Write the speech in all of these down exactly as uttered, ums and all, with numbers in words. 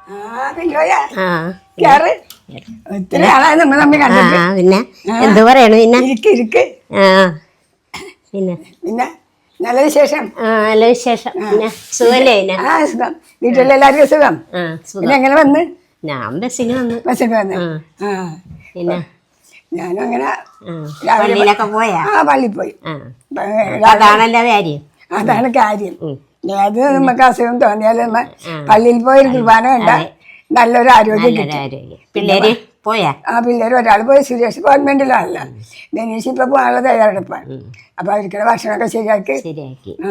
ഒത്തിരി ആളായി നമ്മൾ തമ്മിൽ കണ്ടിട്ട്. പിന്നെ എന്ത് പറയണു പിന്നെ ഇരിക്ക് ഇരിക്ക്. പിന്നെ പിന്നെ നല്ല വിശേഷം. ആ നല്ല വിശേഷം. പിന്നെ സുഖല്ലേ? ആ സുഖം. വീട്ടിലെല്ലാവർക്കും സുഖം. പിന്നെ എങ്ങനെ വന്ന്? ഞാൻ ബസ്സിന് വന്നു. ബസ്സിന് വന്ന്. ആ പിന്നെ ഞാനും അങ്ങനെ പള്ളിയിലൊക്കെ പോയാ? ആ പള്ളിയിൽ പോയി. അതാണല്ലോ കാര്യം. അതാണ് കാര്യം. ഏത് നമുക്ക് അസുഖം തോന്നിയാലും നമ്മ പള്ളിയിൽ പോയൊരു കുർബാന കണ്ട നല്ലൊരു ആരോഗ്യം കിട്ടും. പിള്ളേര് പോയാ? ആ പിള്ളേർ ഒരാൾ പോയി. സുരേഷ് ഗവൺമെന്റിലാണല്ലോ. ബനീഷ് ഇപ്പൊ പോകാനുള്ള തയ്യാറെടുപ്പാണ്. അപ്പൊ അവർക്കുള്ള ഭക്ഷണമൊക്കെ ശരിയാക്കി ശരിയാക്കി. ആ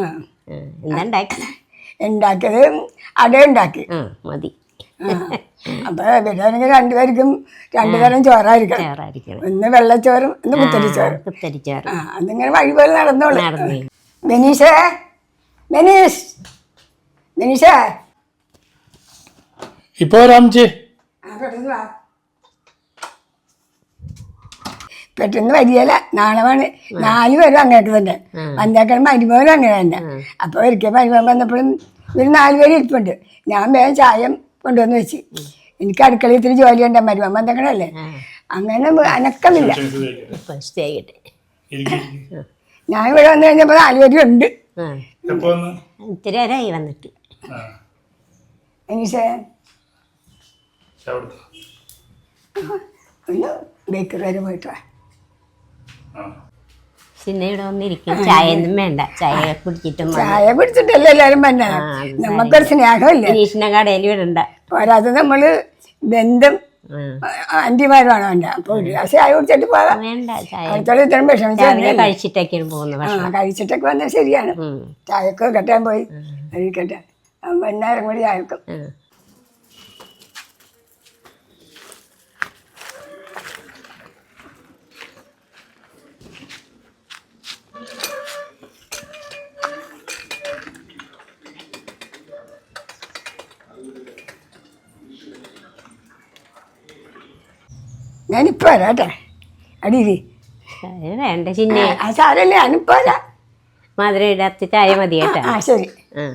എന്താ ഉണ്ടാക്കിയത്? അട ഉണ്ടാക്കി. മതി. അപ്പൊ ഇവരാണെങ്കിൽ രണ്ടുപേർക്കും രണ്ടു തരം ചോറായിരിക്കണം. ഒന്ന് വെള്ളച്ചോറും ഒന്ന് കുത്തരിച്ചോറും. കുത്തരിച്ചോറ്. ആ അതിങ്ങനെ വഴി പോലെ നടന്നോളൂ. ബനീഷേ, ബനീഷ്, ബനീഷേ ഇപ്പൊ രാംജി പെട്ടെന്ന് വരികയില്ല. നാളെ വേണം. നാല് പേരും അങ്ങനെയൊക്കെ തന്നെ. വന്നേക്കാൻ മരുമോനും അങ്ങനെ തന്നെ. അപ്പൊ ഒരിക്കൽ മരുമോൻ വന്നപ്പോഴും ഒരു നാല് പേര് ഇരിപ്പുണ്ട്. ഞാൻ വേഗം ചായം കൊണ്ടുവന്ന് വെച്ച്. എനിക്ക് അടുക്കളയിൽ ഇത്തിരി ജോലി ഉണ്ട്. മരുമോൻ വന്നേക്കണല്ലേ. അങ്ങനെ അനക്കമില്ല. ഞാൻ ഇവിടെ വന്നു കഴിഞ്ഞപ്പോ നാല് പേരും ഉണ്ട്. ഇത്തിരി നേരമായി വന്നിട്ട്. എനിഷേ ഒന്ന് ബേക്കറി വരെ പോയിട്ട് പിന്നെ ഇവിടെ വന്നിരിക്കും. ചായ ഒന്നും വേണ്ട. ചായ കുടിച്ചിട്ടും ചായ കുടിച്ചിട്ടല്ലേ എല്ലാരും പറഞ്ഞ. നമുക്കൊരു സ്നേഹമില്ല. ഗിരീഷിന്റെ കടയിൽ വിടണ്ട. പോരാതെ നമ്മള് ബന്ധം ആന്റിമാരുമാണ് വേണ്ട. അപ്പൊ ഒരു ഗ്ലാസ് ചായ കുടിച്ചിട്ട് പോകാം. വേണ്ട ചായ. അടുത്തോളം ഇത്രയും വിഷമിച്ച് കഴിച്ചിട്ടൊക്കെയാണ് പോകുന്നത്. കഴിച്ചിട്ടൊക്കെ വന്നാൽ ശരിയാണ്. ചായക്ക് കെട്ടാൻ പോയി കഴിക്കട്ടെ. വൈകുന്നേരം കൂടി ചായക്കും. ഞാനിപ്പോ വരാട്ടെ. അടിയില് വേണ്ട ചിന്നെ. ആ സാരല്ലേ, ഞാനിപ്പോ വരാം. മധുരം ഇടാത്ത ചായ മതി കേട്ടോ. ആ ശരി.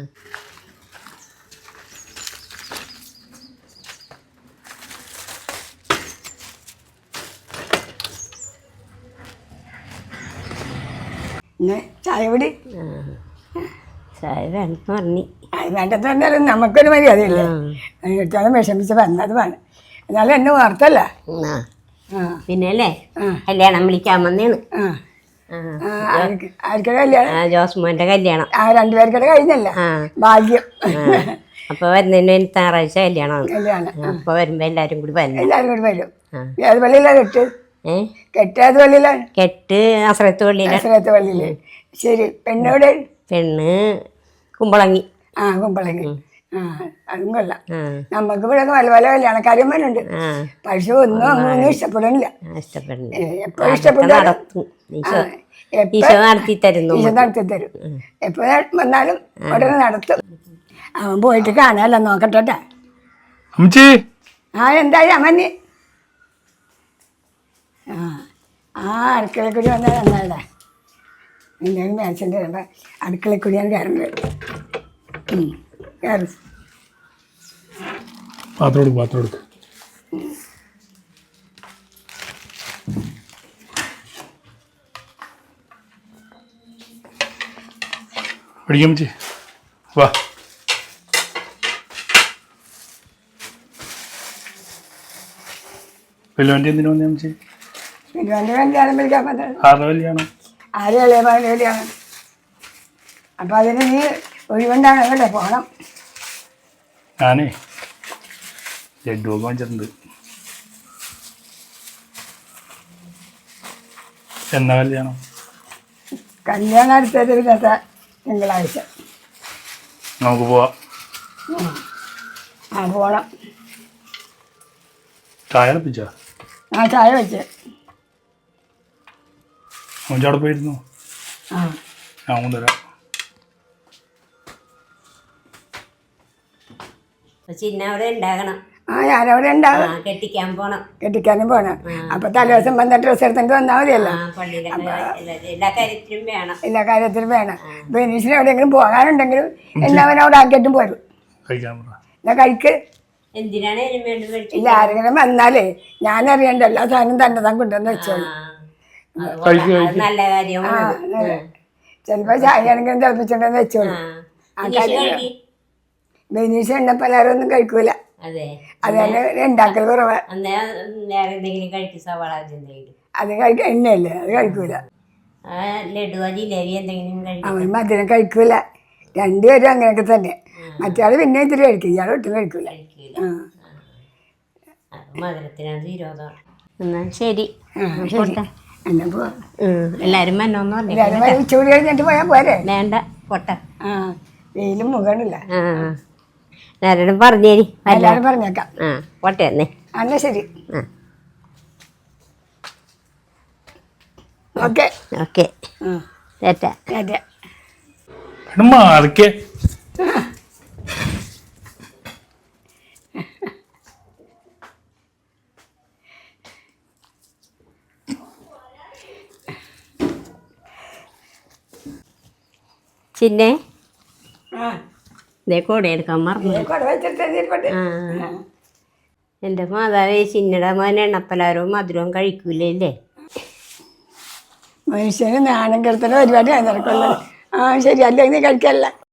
ചായ കൂടി. ചായ വേണ്ടെന്ന് പറഞ്ഞു. വേണ്ടത് പറഞ്ഞാലും നമുക്കൊരു മര്യാദയില്ലേ. എടുത്താലും വിഷമിച്ച് വന്നത് വേണം. എന്നാലും എന്നെ വാർത്തല്ല. പിന്നെ അല്ലേ കല്യാണം വിളിക്കാൻ വന്നേന്ന്. ആർക്കൊരു കല്യാണം? ജോസ്മോന്റെ കല്യാണം. ആ രണ്ടുപേർക്കടെ കഴിഞ്ഞല്ല. ഭാഗ്യം. അപ്പൊ വരുന്നതിന് ഞായറാഴ്ച കല്യാണം. കല്യാണം അപ്പൊ വരുമ്പോ എല്ലാരും കൂടി വരും. എല്ലാരും കൂടി വരും. ഏത് പള്ളിയിലാ കെട്ട്? ഏഹ് കെട്ട് ഏത് പള്ളിയിലാണ്? കെട്ട് അസ്രത്ത് പള്ളിയില്. അസ്രത്ത് പള്ളിയില്. ശരി. പെണ്ണോടെ? പെണ്ണ് കുമ്പളങ്ങി. ആ കുമ്പളങ്ങി. ആ അതും കൊള്ളാം. നമുക്ക് ഇവിടെ പല പല കല്യാണക്കാര്യന്മാരുണ്ട്. പക്ഷെ ഒന്നും അങ്ങൊന്നും ഇഷ്ടപ്പെടണില്ല. എപ്പോഴും ഇഷ്ടപ്പെടും. ഈശോ നടത്തി തരുന്നു. ഈശോ നടത്തി തരും. എപ്പോ വന്നാലും ഉടനെ നടത്തും. അവൻ പോയിട്ട് കാണാല്ലോ. നോക്കട്ടെ. ആ എന്തായി അമ്മന്നി? ആ ആ അടുക്കളയിൽ കൂടി വന്നാൽ എന്നാടാ എന്തെങ്കിലും മേടിച്ചിട്ട് വരുമ്പോ അടുക്കളയിൽ കൂടിയാണ് കയറുന്നത്. കയറി പാത്രം എടുക്കും. പാത്രം എടുക്കും. പഠിക്കാൻ പറ്റി. വാ. വെല്ലുവണ്ടി എന്തിനു വന്നേ അമ്മച്ചി? വെല്ലുവണ്ടി കല്യാണം വിളിക്കാൻ പറ്റും. ആരുടെ കല്യാണം? ആരും ഇളയ മകൻ്റെ കല്യാണം. അപ്പൊ അതിന് നീ ഒഴിവുണ്ടാണ് കേട്ടോ. പോകണം. ഞാനേ ലഡു ഒക്കെ വാങ്ങിച്ചിട്ടുണ്ട്. എന്നാ കല്യാണം? കല്യാണം അടുത്തത് ഇന്നത്തെ തിങ്കളാഴ്ച. നമുക്ക് പോവാം. ആ പോണം. ചായ അടപ്പിച്ചോ? ആ ചായ വെച്ച്. അവിടെ പോയിരുന്നു. ആ ഞാൻ കൊണ്ടുവരാം. ചിന്ന അവിടെ ഉണ്ടാകണം. ആ ഞാനവിടെ ഉണ്ടാകും. കെട്ടിക്കാൻ പോണം. കെട്ടിക്കാനും പോണം. അപ്പൊ തലേദിവസം വന്ന ഡ്രസ്സ് എടുത്തിട്ട് വന്നാൽ മതിയല്ലോ. എല്ലാ കാര്യത്തിലും വേണം. എല്ലാ കാര്യത്തിലും വേണം. ബനീഷിന് എവിടെയെങ്കിലും പോകാനുണ്ടെങ്കിലും എല്ലാവരും അവിടെ ആക്കിയിട്ടും പോരും. എന്നാ കഴിക്ക്. എന്തിനാണ് അതിന് വേണ്ടി മേടിച്ചത്? ഇല്ല ആരെങ്കിലും വന്നാലേ ഞാൻ അറിയണ്ട എല്ലാ സാധനം തന്നെ താൻ കൊണ്ടുവന്ന് വെച്ചോളൂ. അത് കൊള്ളാം. അത് നല്ല കാര്യമാണ്. ചിലപ്പോ ചായ ആണെങ്കിലും തിളപ്പിച്ചിട്ടുണ്ടെന്ന് വെച്ചോളൂ. ബെനീഷ് എണ്ണ പലഹാരം ഒന്നും കഴിക്കൂല. അതെ, അതന്നെ ഉണ്ടാക്കൽ കുറവാ. വേറെ എന്തെങ്കിലും കഴിക്കും, സവാള എന്തെങ്കിലും. അത് കഴിക്ക എണ്ണയല്ലേ, അത് കഴിക്കൂല. ലഡുവോ ജിലേബി എന്തെങ്കിലും കഴിക്കും. അവൻ മധുരം കഴിക്കൂല. രണ്ടുപേരും അങ്ങനെയൊക്കെ തന്നെ. മറ്റയാൾ പിന്നെ ഇത്തിരി കഴിക്കും, ഇയാൾ ഒട്ടും കഴിക്കൂല. മധുരത്തിനത് വിരോധമാണ്. എന്നാ ശരി, പോട്ടെ. എന്നാ പോവാ. എല്ലാരും മന്നോന്ന് പറഞ്ഞു. എല്ലാവരും ഉച്ചകൂടി കഴിഞ്ഞിട്ട് പോയാൽ പോരെ? വേണ്ട, പോട്ടെ. ആ വെയിലും മുഖണില്ല. എല്ലാരോടും പറഞ്ഞേരി. എല്ലാവരും പറഞ്ഞേക്കാം. ആ പോട്ടെ എന്നേ. എന്നാ ശരി. Okay okay. ചേട്ടാ അതെ. മാറിക്കേ. ചിന്നെ ആ ഇതേ കൂടെ എടുക്കാൻ മറന്നു. കുട വെച്ചിട്ട് ആ എൻ്റെ മാതാവേ, ചിന്നയുടെ മോൻ എണ്ണപ്പലാരവും മധുരവും കഴിക്കൂലേ? മനുഷ്യന് നാണം കെടുത്തുന്ന പരിപാടിയാണ് നിനക്കുള്ളത്. ആ ശരി, അല്ലെങ്കിൽ നീ കഴിക്കല്ല.